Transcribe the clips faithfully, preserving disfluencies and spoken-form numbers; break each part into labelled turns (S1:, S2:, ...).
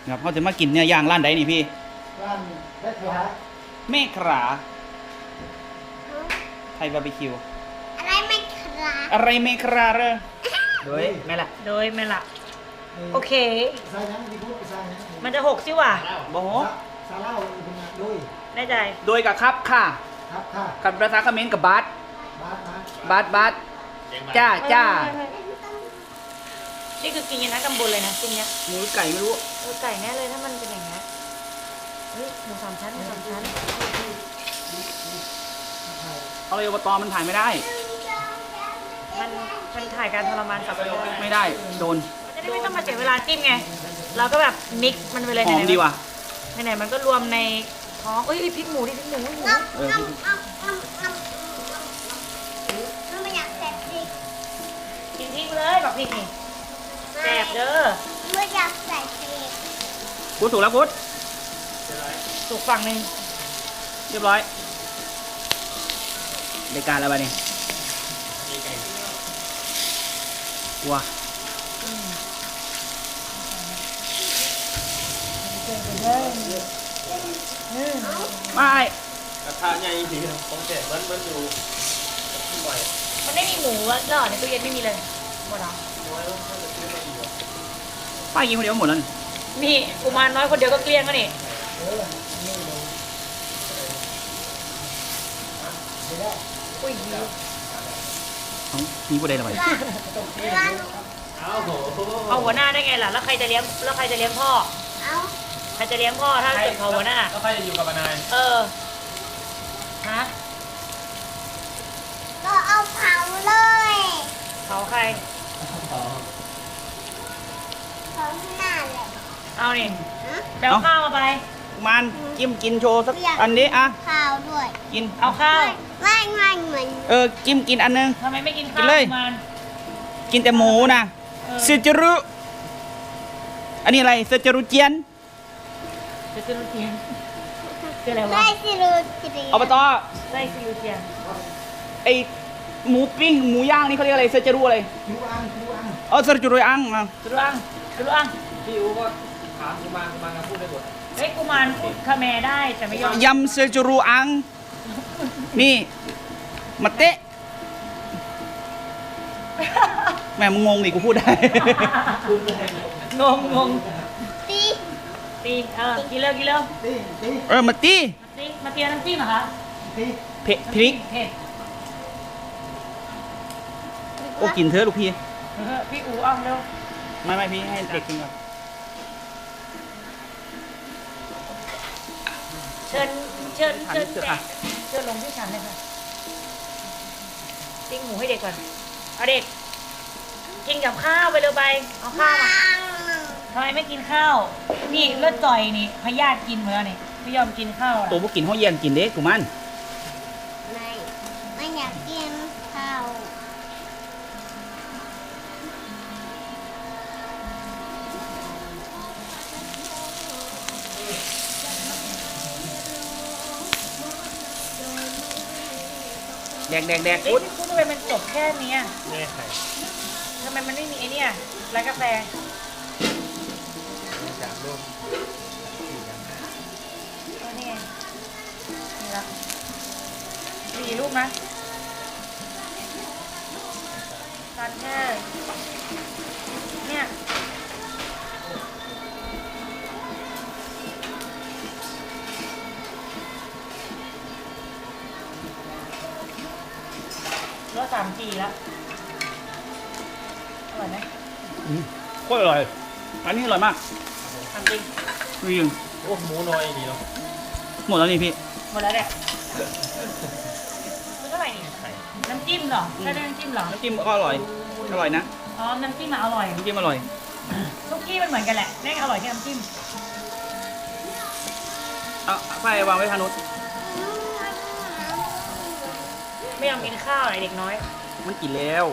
S1: ครับเขาจะมากินเนี่ยย่างร้านใดนี่พี่
S2: ร้านแม่ครัว
S1: แม่คราไทยบาร์บีคิว
S3: อะไรไม่ครา
S1: อะไรแม่คราเรอ
S4: โดยแม่ละ
S5: โดยแม่ละโอเคมันจะหกสิว่ะ
S1: บ่โห
S2: ซาเล่าโดย
S5: แน่ใจ
S1: โดยกับครับค่ะ
S2: ครับค่ะ
S1: กับภาษาเขมรกับบาส
S2: บาสนะ
S1: บาสบาสจ้าจ้า
S5: นี่คือกินกันทั้งตำบลเลยนะกินเนี้ย
S1: หมูไก่ไม่รู้
S5: เออไก่แน่เลยถ้ามันเป็นอย่างเงี้ยเฮ้ยหมูสามชั้นหมูสามชั้น
S1: เอาเลยอบตมันถ่ายไม่ได้
S5: มันมันถ่ายการทรมานสัตว์
S1: ไม่ได้โดน
S5: จะได้ไม่ต้องมาเสียเวลาจิ้มไงเราก็แบบมิกมันไปเลย
S1: หอมดีว่ะ
S5: ไหนๆมันก็รวมในท้องเอ้ยพริกหมูดิพริกหมูหมู
S1: เออ
S3: ไม่อยากแสบพริก
S5: กินพริกเลยแบบพริกนี่แสบเด้อ
S3: ไม่อยากใส่พริก
S1: พุทธถูกแล้วพุทธ
S5: สุกฝั่งหนึ่ง
S1: เรียบร้อยรายการอะไรบ้านี่ว้าไม่
S4: กระทะใหญ่จริงๆผมเจ็บมันมันอยู่บ่อย
S5: มันไม่มีหมูแล้วในตู้เย็นไม่มีเลยหมดแล้ว
S1: ป้ากินคนเดียวหมดแล้ว
S5: นี่กุมารน้อยคนเดียวก็เกลี้ยงแล้วนี่อุ้ย
S1: มีประเด็นอะไร
S5: เอาหัวหน้าได้ไงล่ะแล้วใครจะเลี้ยงแล้วใครจะเลี้ยงพ่อใครจะเลี้ยงพ่อถ้าเกิดเขาหัวหน้า
S4: แล้วใครจะอยู่กับนาย
S5: เออฮะ
S3: ก็เอาเผาเลย
S5: เผาใคร
S3: เผาหน้าเลย
S5: เอานี่แปลข้าวมาไป
S1: มันจิ้มกินโชว์สักอันนี้อ่ะ
S3: ข้าวด้วย
S1: กิน
S5: เอาข้าว
S3: ไม่ไม่เหมือน
S1: เออจิ้มกินอันนึง
S5: ทำไมไม่กินข้าวมัน
S1: กินแต่หมูนะเซจรุอันนี้อะไรเซจรุเจียน
S5: เซจรุเจียนคืออะไรวะ
S3: ไส้ซิรูเจียน
S1: อบต
S5: ไส้ซิรูเจียน
S1: ไอหมูปิ้งหมูย่างนี่เขาเรียกอะไรเซจรุอะไร
S2: ยูอังยูอัง
S1: เออเซจรุอังอ่ะ
S5: เซจรุอังเซจรุอัง
S4: พี่อูก็ถามกุมารกุมารพูดได้หมด
S5: เฮ้ยกุมารพูดคาเมได้แต่ไม่ยอม
S1: ยำเซจรุอังนี่มาเตะแม่มึงงงดิกูพูดได้
S5: งงงง
S3: ตี
S5: ตีเออกินเร็วกินเร็ว
S2: ตีตี
S1: เออมาตี
S5: มาตีมาเตียน้ำจิ้มเหรอคะ
S2: ตี
S1: เผ็ดพริกโอ้กินเถอะลูกพี่
S5: พี่อู๋เอาเร็ว
S1: ไม่ไม่พี่ให้เด็กกินก่อน
S5: เชิญเชิญเชิญเชิญลงที่ฉันเลยค่ะติ้งหมูให้เด็กก่อนเอาเด็กกินกับข้าวไปเร็วไปเอาข้าวทำไมไม่กินข้าวนี่เลือดจ่อยนี่พยาธิกินเหมือนนี่ไม่ยอมกินข้าว
S1: ตัวพวกกินห้องเย็นกินเด็กกูมัน
S3: ไม่ไม่อยากกินข้าว
S1: แดกแดกแดก
S5: พูดพูดทำไมมันจบแค่นี้
S4: ไม่ใคร
S5: ทำไมมันไม่มีไอเนี่ยร้านกาแฟ
S4: สามรูปสี่อย่างห้า
S5: ตัวนี้นี่ละสี่รูปนะทานแค่เนี่ยรสสามจีแล้วอร่อยไหม
S1: โคตรอร่อยอันนี้อร่อยมาก
S5: ทำจริง
S1: จริง
S4: โอ้หมูน้อยดีเนาะ
S1: หมดแล้วนี่พี่
S5: หมดแล้วเนี่ยคือเท่าไหร่นี่น้ำจิ้มเหรอใช่น้ำจิ้มเหรอ
S1: น้ำจิ้มก็อร่อยอร่อยนะ
S5: อ๋อน้ำจิ้มมาอร่อย
S1: น้ำจิ้มอร่อย
S5: ทุกที่มันเหมือนกันแหละแม่งอร่อยแค่น้ำจิ้ม
S1: เอาไฟวางไว้ทางนู้น
S5: ไม่ยอมกินข้าวไอเด็กน้อย
S1: มันกินแล้ว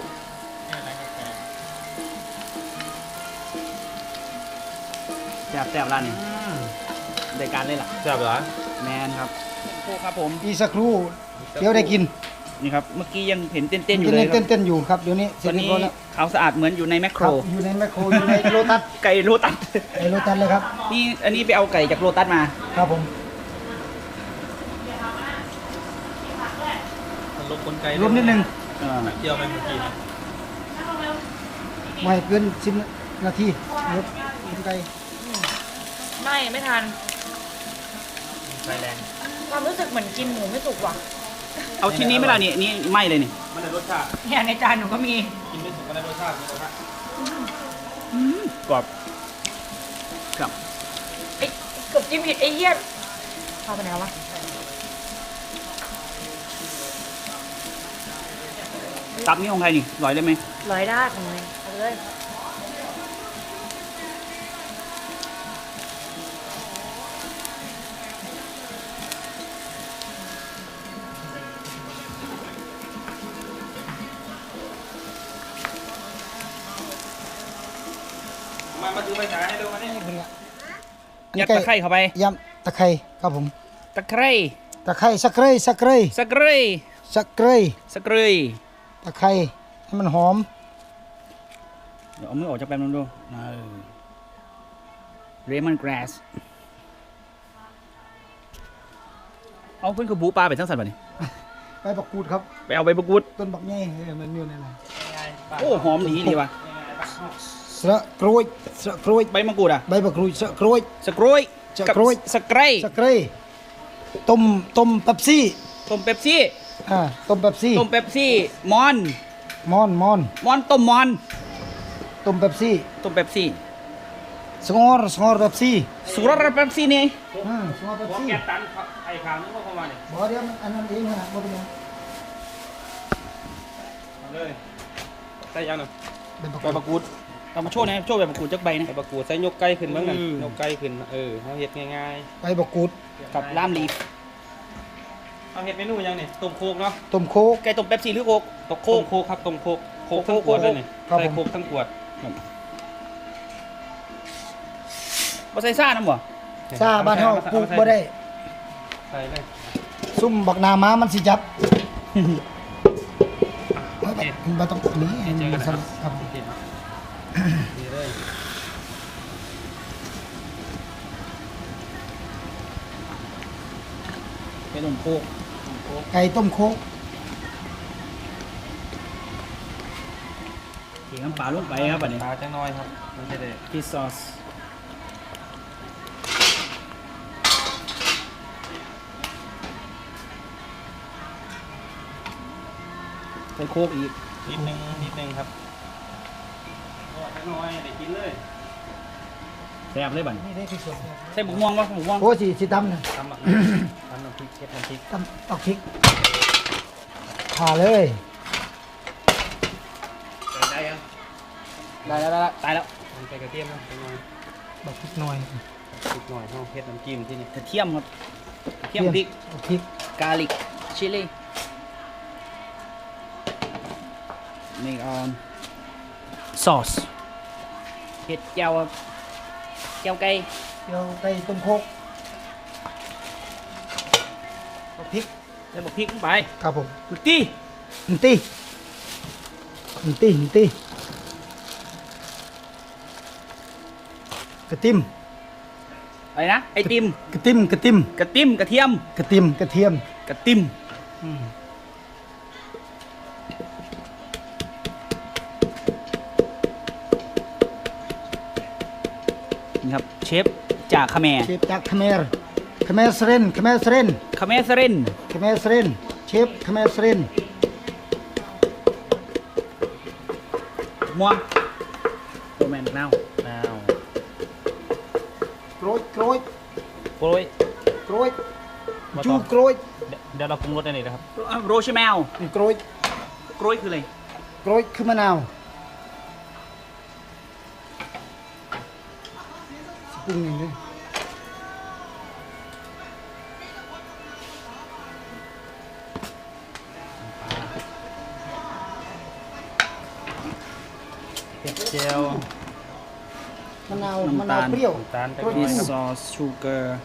S1: แซ่บแซ่บร้านนี้รายการเลยล่ะ
S4: แซ่บเหรอ
S1: แมนครับโคครับผม
S2: อีสักครู่เดี๋ยวได้กิน
S1: นี่ครับเมื่อกี้ยังเห็นเต้นๆอยู่
S2: ยัง
S1: เลยครับ
S2: เต้นๆอยู่ครับเดี๋ยวนี้เส
S1: ต
S2: ร็
S1: อ
S2: จ
S1: น
S2: เรีย
S1: นี้
S2: บร้อยแล้ว
S1: ขาวสะอาดเหมือนอยู่ในแมคโค
S2: ค
S1: ร
S2: รับอยู่ในแมคโครอยู่ในโลตัส
S1: ไก่โลตัส
S2: ในโลตัสเลยครับ
S1: นี่อันนี้ไปเอาไก่จากโลตัสมา
S2: ครับผม
S4: มันลบกลไก
S2: รวมนิดนึง
S1: อ่า
S4: เกี่ยวไปเมื่อกี้
S2: ไม่เกินสิบนาทีรถไกล
S5: ไม่ไม่ทัน
S4: ไฟแรง
S5: ความรู้สึกเหมือนกินหมูไม่สุกว่ะ
S1: เอาชิ้นนี้ไหม่ล่ะนี่นี่ไหม่เลยนี่
S4: มันได้รสชาติ
S5: เนี่ยในจานหนูก็มี
S4: กินไม่สุกก็ได้รสชาติมีรสชาติ
S1: กรอบครับ
S5: ไอ้เกือบจิ้มผิดไอ้เหี้ยพาไปไหนแล้ววะ
S1: ตับนี่ของใครนี่ลอยได้ไหม
S5: ร้อยด้านของเลยเอาไปเลย
S4: มามาถือไฟฉายให้ดูมานี่
S2: ๆนี่เป็นไง
S1: ยัดตะไคร้เข้าไป
S2: ยำตะไคร้ครับผม
S1: ตะไคร้
S2: ตะไคร้สักไคร้สักไคร้
S1: สะเกรย
S2: สักไคร้
S1: สะเกรย
S2: ตะไคร้ให้มันหอม
S1: เดี๋ยวเอามือออกจากแป๊บนึงดูเรมอนกราสเอาเพื่อนคือบูปลาไปทั้งสัตว์ป่ะนี่
S2: ใบบักกูดครับ
S1: ไปเอาใบมะกรูด
S2: ต้นบักแง่เออมันอยู่ในนั้น
S1: โอ้หอมดีดีว่ะ
S2: สระกล้วยสระกล้วย
S1: ใบมะกรูดอ่ะ
S2: ใบบักกรูดสระกล้วย
S1: สะเกรย
S2: สะ
S1: กับ
S2: เกรย
S1: สะเกรย
S2: สักไคร้ต้มต้มเป๊ปซี่
S1: ต้มเป๊ปซี่
S2: อ่าต้มเป๊ปซี่
S1: ต้มเป๊ปซี่มอน
S2: มอนมอน
S1: มอนต้มมอน
S2: ต้มเป๊ปซี่
S1: ต้มเป๊ปซี่
S2: สงอร์สงอร์เป๊ปซี่
S1: สุรสเป๊ปซี่นี่
S2: อืมสงอร์เป๊ป
S4: หัว
S2: ซี่
S4: แกตันไอ้ขาวนึกว่าเข้ามาเนี่ย
S2: บ่เดี๋ยวมันอันนั้นเองนะบ่เป็นหยัง
S4: เอาเลยใส่ยังหนึ่ง
S2: เป็นบัก
S1: ใบมะกรูดเอามาโชว์หนะโชว์ใบมะกรูดจักใบนะ
S4: ใส่บะกูดใส่ยกไก่ขึ้นบ้างกัน
S1: อืม
S4: ยกไก่ขึ้นเออเขาเฮ็ดง่าย
S2: ใบบักกูด
S1: กับล่ามลีฟ
S4: ๆเอาเฮ็ดเมนูยังนี่ต้มโคกเนาะ
S2: ต้มโคก
S1: ไก่ต้มเป๊ปซี่หรือโคกตกโค
S4: ต้
S1: ก
S4: มโคกครับต้มโคกโคกทั้งขวดเลยนี่
S2: ครับ
S4: ใส่
S2: ผม
S4: โคกทั้งขวด
S1: บ่ใส่ซ่าน้ำบ่
S2: ซาบ้านเฮาปลูกบ่ได้
S4: ใส่เลย
S2: ซุ่มบักนาม้ามันสิจับเฮ้ยมันบ่ต้องนี้
S4: เจอกันนะครับ
S2: ครับ
S4: ดีเลย
S1: ไก่ต้มโคก
S2: ไก่ต้มโคก
S1: เขียน้ำปลาลงไปครับบัดนี้
S4: ปลาจังน้อยครับมันจะได้
S1: ฟิชซอสใส่โคกอีก
S4: นิดนึงนิดนึงครับโอ้จังน้อยได้กินเลย
S1: แซ่บเลยบัดนี้
S2: นี่ได้ที่สุดเนี่ย
S1: ใส่บุกม่วงป่ะบุกม่วง
S2: โอ้สิสิตำนะ
S4: ทำแบบทำน้ำพริกเช็ดน้ำพริก
S2: ตำตอกพริกผ่าเลย
S4: ได้ยัง
S1: ได้แล้วได้แล้วตายแล้ว
S4: มันไปกระเทียมนะจังน้อย
S2: บักพริกหน่อย
S4: พริกหน่อยเฮาเฮ็ดน้ำจิ้มที่นี่
S1: กระเทียมครับกระเทียมพริก
S2: เอาพริก
S1: กาลิกชิลลี่นี่ออนซอสเห็ดเจียวครับเจียวไก่
S2: เดี๋ยวไก่ต้มโคกเอาพริก
S1: แล้วบอกพริกลงไป
S2: ครับผม
S1: กุตี้
S2: นี่ตีนี่ตีนี่ตีกระติม
S1: อะไรนะไอติม
S2: กระติมกระติม
S1: กระติมกระเทียม
S2: กระติมกระเทียม
S1: กระติม
S2: อืม
S1: นี่ครับเชฟจากคาเมร
S2: เชฟจากคาเมรคาเมรสเรนคาเมรสเรน
S1: คาเมรสเรน
S2: คาเมรสเรนเชฟคาเมรสเรน
S1: ม่วงโรแมนนาว
S4: อ้าว
S2: โกรยโกรย
S4: โปรย
S2: โกรยจูโกรย
S4: เดี๋ยวเราปรุงรสได้เลยนะครับ
S1: โรชแมล
S2: นี่โกรย
S1: กล้วยคืออะไร
S2: โกรยคือมะนาวสปรุงอย่างนี้
S4: เผ็ดเจียว
S2: มะนาวมะนาวเปรี้ยว
S4: น้ำตาล
S2: โกรย
S1: ดิ
S2: เปรี้ยว
S1: ซอสชูเกอร์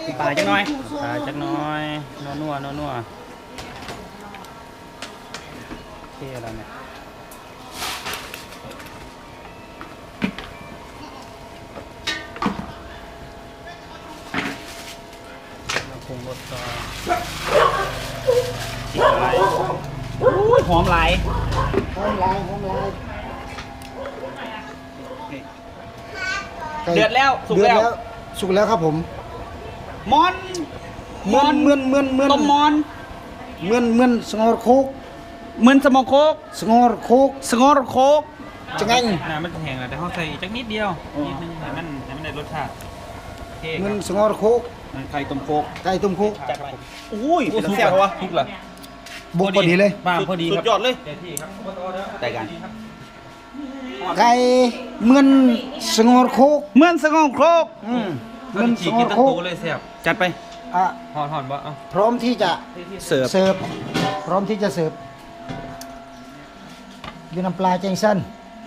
S1: ปลาจักหน่อยปลาจักหน่อยนัวนัวนัวนัวโอเคแล้วเนี่ยเราคงรสต่อจิกอะไรอุ้ยหอมไหลาย
S2: หอมลายหอมลาย
S1: เดือดแล้วสุก
S2: เดือด
S1: แล้ว
S2: สุกแล้วครับผม
S1: มอน
S2: เมือนเมือนเมือนเมือน
S1: ต้มมอน
S2: เมือนเมือนสงอร์โคก
S1: เหมือนสมองโคก
S2: สงอร์โคก
S1: สงอร์โคก
S2: จะไง
S4: น้ำมันจะแห้งแล้วแต่เขาใส่อีกจักนิดเดียวนิดนึงให้มันให้มันได้รสชาติโอเค
S2: เมื
S4: ค
S2: อน
S4: รับ
S2: สงอร์โคก
S1: ไข่ต้มโคก
S2: ไก่ต้มโคก
S1: จัดไปอุ้ยเป็นเสียบวะ
S4: ทุกเหรอ
S2: บุกพอดีเลย
S1: บ้าพอดีครับ
S4: สุดยอดเลยเต็มที่ครับ
S1: แต่กัน
S2: ไก่เมือนสงอร์โคก
S1: เหมือนสงองโคก
S2: อืม
S4: มั
S2: เมือน น
S4: ฉี
S2: ส
S4: ก
S2: งอ
S4: กิน
S2: ร์
S4: ตั้
S2: โค
S4: ง
S2: ก
S4: ตัวเลยแซ่บ
S1: จัดไป
S2: อ่ะ
S4: หอนหอนบ่เอา
S2: พร้อมที่จะ
S1: เสิร์ฟ
S2: เสิร์ฟพร้อมที่จะเสิร์ฟด้วยน้ำปลาแจงสั้น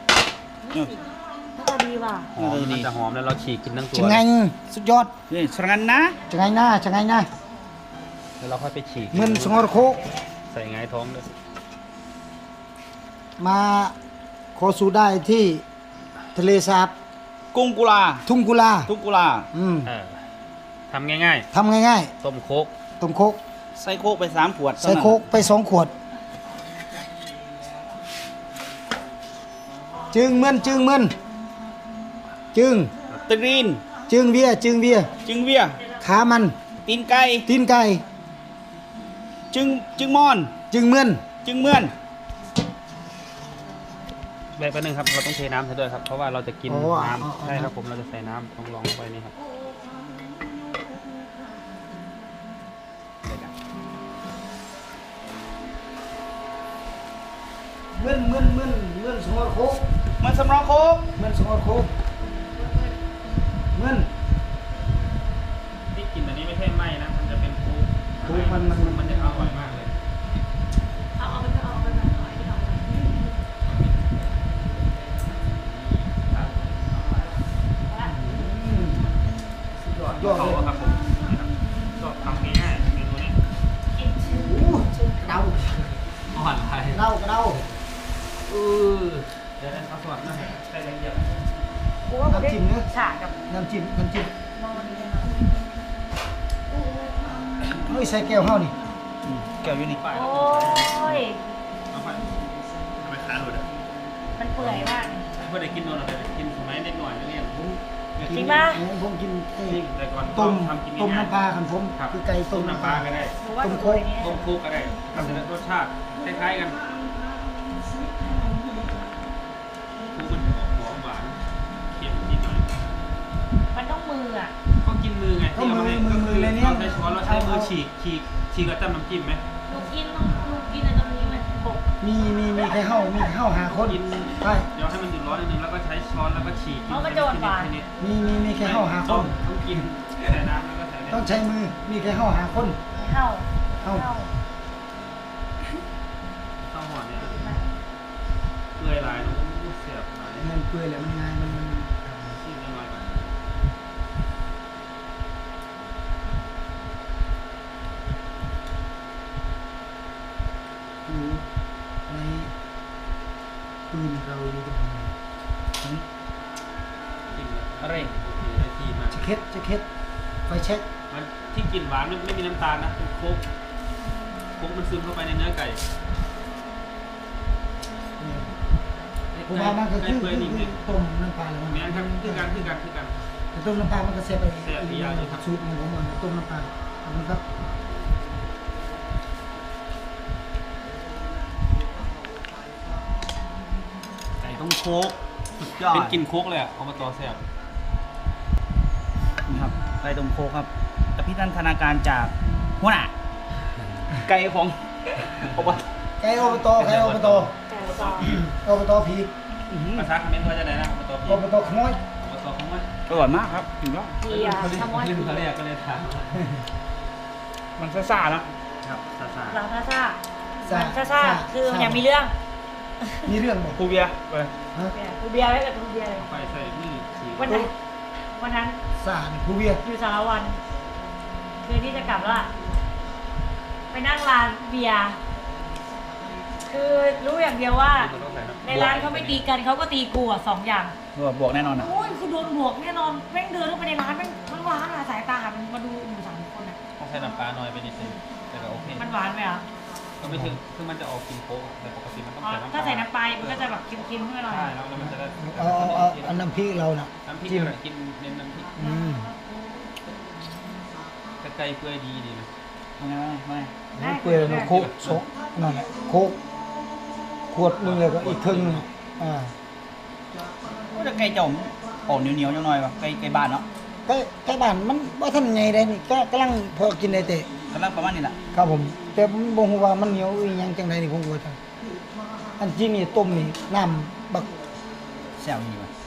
S5: น่าดีว่ะ
S4: หอมมันจะหอมแล้วเราฉีกกินทั้งตัว
S2: จะไงสุดยอด
S1: นี่สรันนะ
S2: จะไงหน้าจะไงหน้า
S4: แล้วเราค่อยไปฉีก
S2: เมือนสงอร์โคก
S4: ใส่ไงายท้องด้วย
S2: มาขอสู่ได้ที่ทะเลสาบ
S1: กุ้งกุลา
S2: ทุ่งกุลา
S1: ทุ่งกุลา
S2: อืม
S4: เออทำง่าย
S2: ทำง่าย
S4: ๆต้มโคก
S2: ๆต้มโคก
S1: ใส่โคกไปสามขวด
S2: ใส่โคกไปสองขวด จึงเมือนจึงเมือนจึง
S1: ตรีน
S2: จึงเวียจึงเวีย
S1: จึงเวีย
S2: ขามัน
S1: ตีนไก่
S2: ตีนไก่
S1: จึงจึงมอน
S2: จึงเมือน
S1: จึงเมือน
S4: แบบนึงครับเราต้องเทน้ำใส่ด้วยครับเพราะว่าเราจะกิน
S2: อ๋อ
S4: น้
S2: อ๋ออ๋อ
S4: ำใช่ครับผมเราจะใส่น้ำต้องลองลงไปนี่ครับ
S2: เมือนเมือนเมือนเมือนสงอร์โคก
S1: เหมันสำรองโคก
S2: เมือนสงอร์โคกเมือน
S4: ที่กินอันนี้ไม่ใช่ไหมนะมันจะเป็นโคก
S2: โคกมันมันมัน
S4: มันจะอร่อยมากเลย
S5: เอาเอาไปเอาไปเอาไปเอาไป
S4: ยอดยอดเลยครับผมชอบทำง่ายๆเมนูนี้
S2: อู้เดา
S4: อ่อนไป
S2: เดากระเดา
S4: เออเดี๋ยวนั้นเขาสวัสดิ์นะใส่แรงเยอะ
S5: กูว่าผมได้ฉากกับ
S2: น้ำจิ้มน้ำจิ้ม
S5: นอนนี่นะ
S2: เฮ้ยใส่แก้วเฮานี่
S1: อืมแก้วอยู่นี่
S5: โอ้ย
S4: เอาไปทำไมค้าหลุดอ่ะ
S5: มันเปื่อยมาก
S4: เพื่อได้กินโดนอะไรกินสมัยเด็กหน่อยนักเรียน
S5: จริงปะ
S2: ผมกินไอ้
S4: แต่ก่อน
S2: ต้ม
S4: ทำกิน
S2: ต้ม
S4: ง่าย
S2: น้ำปลาคันผม
S4: ครับ
S2: คือไก่
S4: ต้
S2: ต้
S4: ม
S2: ม
S4: น้ำ
S2: น้ำ
S4: ป
S2: ป
S4: ลา
S2: ลา
S4: ก็ได้
S5: หรือว่าดูตัวนี้
S4: ต้มคุกก็ได้ทำรสชาติคล้ายๆกันคุกมันจะออกหอมหวานเค็มนิดหน่อย
S5: มันต้องมืออ่ะ
S4: ก็กินมือไง
S2: ก็
S4: ที่
S2: มื
S4: เอา
S2: อ
S4: มาให้
S2: มือมือเลยเนี่ย
S4: เราใช้ช้อนเราใช้มือฉีกฉีกฉีกกับจ้ำน้ำจิ้มไหม
S5: หนูกินต้องหนูกินในตรงนี้มันปก
S2: มีมีมีใครเข้ามีเข้าหาคน
S4: กิน
S2: ใช่
S4: เดี๋ยวให้มันหยุดร้อนนิดนึงแล้วก็ใช้ช้อนแล้วก็ฉีกกินทีนิด
S2: มีมีมีใครเข้าหาค
S4: ต้
S2: น
S4: องต้องกินใส่น้ำแล้วก็ใส่
S2: ต้องใช้มือมีใครเข้าหาคน
S5: เข้า
S2: เข้า
S5: เข้า
S4: ข้าวห่อเนี่ยเปื่อยหลายน้องเสียบหลาย
S2: เงินเปื่อยแหละมันง่ายมันมัน
S4: ชิมหน่อยก่อน
S2: อยู่ในปืนเราอยู่ตรงไหน
S4: ชิมเลย
S1: อะไร
S4: โอเคได้ที่มา
S2: จะเค็ดจะเค็ดไฟเช็ค
S4: มันที่กลิ่นหวานมันไม่มีน้ำตาลนะเป็นโค้กโค้กมันซึมเข้าไปในเนื้อไก่
S2: ผมว่ามันก็คือ
S4: เปื่อย
S2: คือ
S4: นิ่ม
S2: คือต้มน้ำปลาแล้วมัน
S4: ๆแม้ครับคือกันคือกันคือกัน
S2: แต่ต้มน้ำปลามันก็เสียไป
S4: แซ่บอีกอย่างหนึ่งครับ
S2: สูตรของผมมันต้มน้ำปลาขอบคุณครับ
S1: ไก่ต้มโคกสุดยอด
S4: เป็นกลิ่นโค้กเลยอ่ะเอามาต่อแซ่บ
S1: นี่ครับไก่ต้มโคกครับอภินันทนาการจากหัวหน้าไก่ของอบต
S2: ไก่อบตไก่อบต
S5: แต่ต่อ
S2: อบตผี
S1: อื้อหือ
S4: ภาษาคอมเมนต์ว่าจะไหนนะเอามาต่อพี่
S2: อบตขโมย
S4: เอามาต่อของมัน
S1: อร่อยมากครับถึงแล้ว
S5: ดีอ่ะทำว่า
S4: ลืมเขาเรียกก็เลยถาม
S1: มันซ่าๆนะ
S4: ครับซาซา
S5: หลังซ่าซ่ามันซ่าซ่าคือมันยังมีเรื่อง
S2: มีเรื่องบอก
S1: ครูเบียร์ไป
S2: ฮะ
S5: กูเบียร์ไว้กับกูเบียร์เลย
S4: ไปใส่นี่ฉีก
S5: วันนั้นวันนั้น
S2: สารครูเบียร์
S5: อยู่สารวันคืนที่จะกลับแล้วอะไปนั่งร้านเบียร์คือรู้อย่างเดียวว่า ในร้านเขาไม่ตีกันเขาก็ตีกูอ่ะสองอย่าง
S1: บวกบวกแน่นอนอ่ะ
S5: โอ้ยคือโดนบวกแน่นอนแม่งเดินเข้าไปในร้านแม่งทั้งร้านอะสายตามันมาดูอยู่สามคนอะ
S4: ต้องใช้น้ำปลาน้อยไปนิดนึงแต่ก็โอเค
S5: มันหวานไหมอ่ะ
S4: ก็ไม่ถึงคือมันจะออกกินโค้กแต่ปกติมันต้อง
S5: อ๋อ
S4: ใส่น้ำปลา
S5: ถ้าใส่น้ำปลามันก็จะแบบเค็มๆขึ้นมาหน่อย
S4: ใช่แล้วมันจะได้
S2: เอาเอาเอาเอาน้ำพริกเราน่ะ
S4: น้ำพริก
S2: จิ้ม
S4: กินเน้นน้ำพริก
S2: อืม
S4: กระไก่เปื่อยดีดีนะ
S1: ไม่ไม่
S2: นี่เปลือยนะโคกโซกนั่นแหละโคกขวดหนึงเลยก็อีกครึ่งหนึงอ่า
S1: ก็จะไก่จมออกเหนียวเหนียวจังหน่อยว่ะไก่ไก่บ้านเนาะ
S2: ใกล้ใกล้บ้านมันว่าท่านไงได้นี่ก็กำลังพอกินได้แต่
S1: กำลังประมาณนี้แหละ
S2: ครับผม แต่ผมบ่ฮู้ว่ามันเหนียวอีหยังจังไดนี่ผมก็บ่จังอันที่นี่ต้มนี่น้ำบัก
S1: แซวดีว่ะ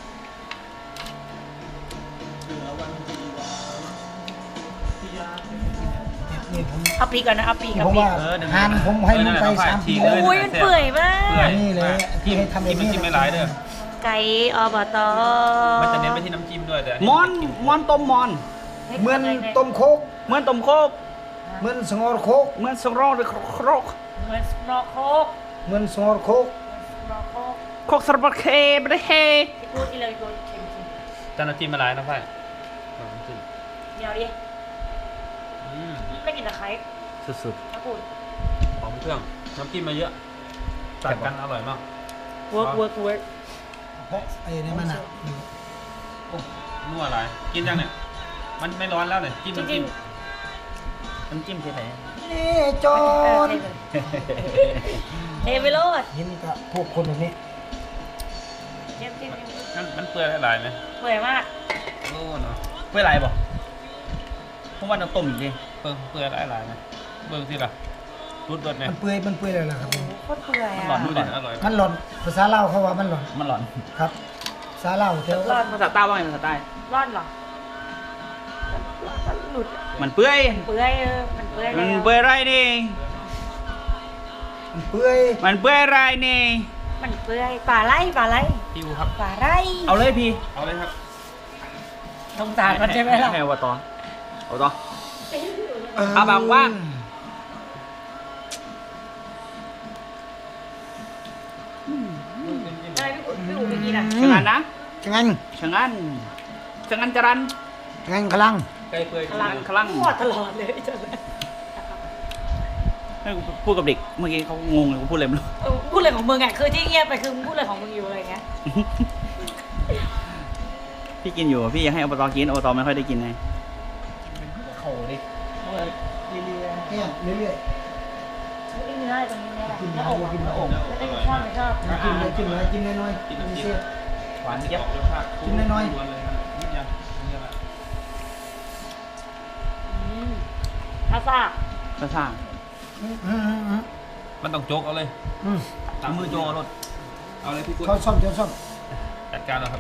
S2: นี่ผม
S5: เอาปีกก่อนนะเอาปีกกับ
S2: ผม
S5: ปี
S2: ว่าหานผมให้มันไปสามปีแล้ว
S5: โอ้ยมันเปื่อยมาก
S2: นี่เลยที่ให้ทำแบบ
S4: มัน
S2: นี้
S4: จิ้มไม่หลายเด้อ
S5: ไก่อบต
S4: มันจะเน้นไปที่น้ำจิ้มด้วยแต่
S1: มอนมอนต้มมอน
S2: เหมือนต้มโคก
S1: เหมือนต้มโคก
S2: เหมือนสงอรโคก
S1: เหมือนสงรองหรือโครก
S5: เหมือนสโนว์โคก
S2: เหมือนสงอรโคก
S5: สโนว์โคก
S1: โคกสระบัดเคไม่ได้เฮ
S5: ที่พูดที่เลยโดนเค็ม
S4: แต่น้ำจิ้มไม่หลายนะพ่ายน้ำจิ้ม
S5: ๆเดี๋ยวดิ
S4: อืม
S5: ไม่กินตะไคร้
S1: สุด
S5: ถ้าพูด
S4: หอมเครื่องน้ำจิ้มมาเยอะตัดกันอร่อยมาก
S5: เวิร์กเวิร์กเวิร์ก
S2: เพราะไอ้นี่มันอ่ะ
S4: โอ้นัวหลายกินยังเนี่ยมันไม่ร้อนแล้วเนี่ยจิ้ม
S5: จ
S4: น้ำ
S5: ริ
S4: จิ้
S5: ง
S4: ม
S1: ๆน้ำจิ้มที่ไหน
S2: นี่จอ
S5: ๆเออน เทไปโลด
S2: เห็นกับพวกคนแบบนี้
S5: เค็มๆ
S4: มันมันเปื่อยหลายไหม
S5: เปื่อยมาก
S4: โอ้เนาะ
S1: เปื่อยไรบ่ผมว่าน้ำต้มอีกดิ
S4: เปื่อยเปื่อยหลายหลายไหมเบิ่งสิล่ะรุดรสเนี่ย
S2: มันเปื่อยมันเปื่อยเลยล่ะครับผม
S5: โคตรเปื่อย
S1: หลอ
S5: อ่ะ
S1: น
S4: ดู
S1: หล
S4: ดิ
S1: อน
S4: อร่อย
S2: มันหล่อนภาษาลาวเขาว่ามันหล่อน
S1: มันหลอน
S2: ครับภาษาลาวแถว
S5: ร่อน
S1: ภาษาใต้ว่าไงภาษาใต้
S5: ร่อนเหรอมันหลุด
S1: มันเปื่อย
S5: เปื่อยเออมันเปื่อย
S1: มัน
S5: แล้ว
S1: เปื่อยไรนี่
S2: มันเปื่อย
S1: มันเปื่อยไรนี่
S5: มันเปื่อยป่าไร่ป่าไร่
S4: พี่อูครับ
S5: ป่าไร่
S1: เอาเลยพี่
S4: เอาเลยครับ
S5: สงสารมันใช่ไหมล่ะ
S1: ให้เอาต่อเอาต่อ เอาแบบว่า
S5: อะไรพี่อุ๋พี่อุ๋ไปกินอ่ะ
S1: ชะงันนะ
S2: จังงั้น
S1: ชะงันชะงันจรัน
S2: จังงั้นกำลัง
S4: ไก่เปื่อย
S1: คลังคลัง
S5: หัวตลอดเลยจนเลย
S1: ให้กูพูดกับเด็กเมื่อกี้เขางงเลยกูพูดอะไรไม่รู้
S5: เออพูดเลยของมึงอ่ะคือที่เงียบไปคือมึงพูดเลยของมึงอยู่อะไรเงี้ย
S1: พี่กินอยู่อะพี่อยากให้อบตกินอบตไม่ค่อยได้กินไงโขดิ
S2: เนี่ยเรื่อย
S5: ไม่เนื้ออะไรตรงนี้เนี่ยแหละ
S2: ๆกิน
S5: เนื้อ
S2: น้
S5: อก
S2: ำ
S5: อ่ะ
S2: กินน้ำอก
S5: ไม่ได้ชอบไม่ชอบ
S2: กินเลยกินเลยกินน้อยๆ
S4: กิน
S2: กิน
S4: น้ำจิ้
S2: เสี
S4: ม
S2: ย
S1: หวาน
S4: เจี๊
S1: เจี๊
S4: ย
S1: ย
S4: บบ รสชาติ
S2: กินน้อยๆ
S4: ล้วนเลยครับนิดเดียวนิดเดียวละ
S5: อืมอาซา
S1: กระซ่า
S2: อืมอืมอืมอืม
S4: มันต้องโจกเอาเลย
S2: อืม
S4: ตามมือโจกเอารถเอาเลยพี่กุ้ย
S2: เขาซ่อมเดี๋ยวซ่อม
S4: จัดการแล้วครับ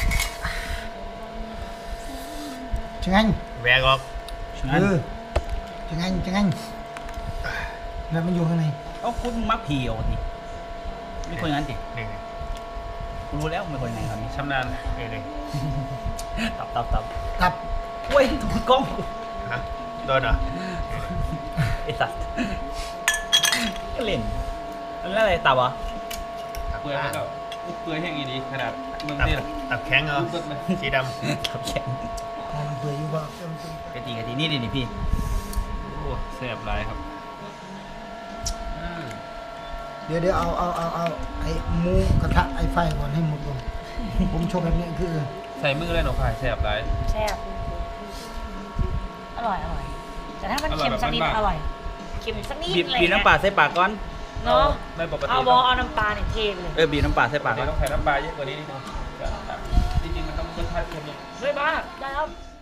S2: จังงั้น
S4: แหวกออก
S1: ชะงัน
S2: เออจังงั้นจังงั้นแล้วมันอยู่ข้างใน
S1: เอาคุณมักเพียวนี่ไม่คนอย่างนั้นสิ
S4: นี่
S1: กูรู้แล้วไม่คนยังไงครับนี่
S4: ชำนาญเองเลย
S1: ตับตับตับ
S2: ตับ
S1: เว้ยถูกกล้อง
S4: ฮะโดนเหรอ
S1: ไอ้สัตว์ก็เล่นอันนั้นอะไรตับเหรอ
S4: เปื่อยแล้วก็เปื่อยแห้งอีดีขนาดเมือง
S6: ตับ
S4: นี่แหละ
S6: ตับแข็งเหรอ
S4: รุดเลย
S6: สีด
S1: ตับแข็ง
S2: พอมันเปื่อยอยู่บ้าง
S1: กะทิกะทินี่ดินี่พี่
S4: โอ้แซ่บหลายครับอืม
S2: เดี๋ยวเดี๋ยวเอาเอาเอาเอาไอ้หมูกระทะไอ้ไฟก่อนให้หมดก่อนผมชอบแบบนี้คือ
S4: ใส่มือเลยหนูพายแซ่บหลาย
S5: แซ่บอร่อยอร่อยแต่ถ้ามัน
S4: อร่อย
S5: เค็มสักนิด
S4: แบบบ้านๆ
S5: อร่อยเค็มสักนิด
S1: บีบ
S5: อะไร
S1: บีบน้ำปลาใส่ปากก่อน
S5: เนาะ
S4: ไม่ปกติ
S5: เอาบอเอาน้ำปลาเนี่ยเทเลย
S1: เออบีบน้ำปลาใส่
S4: ปา
S1: ปาก ก
S4: เดี๋
S1: ก่
S4: ย
S1: อ
S4: วน ต้องใส่น้ำปลาเยอะกว่านี้นิดนึงจริงๆมันต้องรสชาติเค็มนิด
S5: ด้วยบ้าได้แล้ว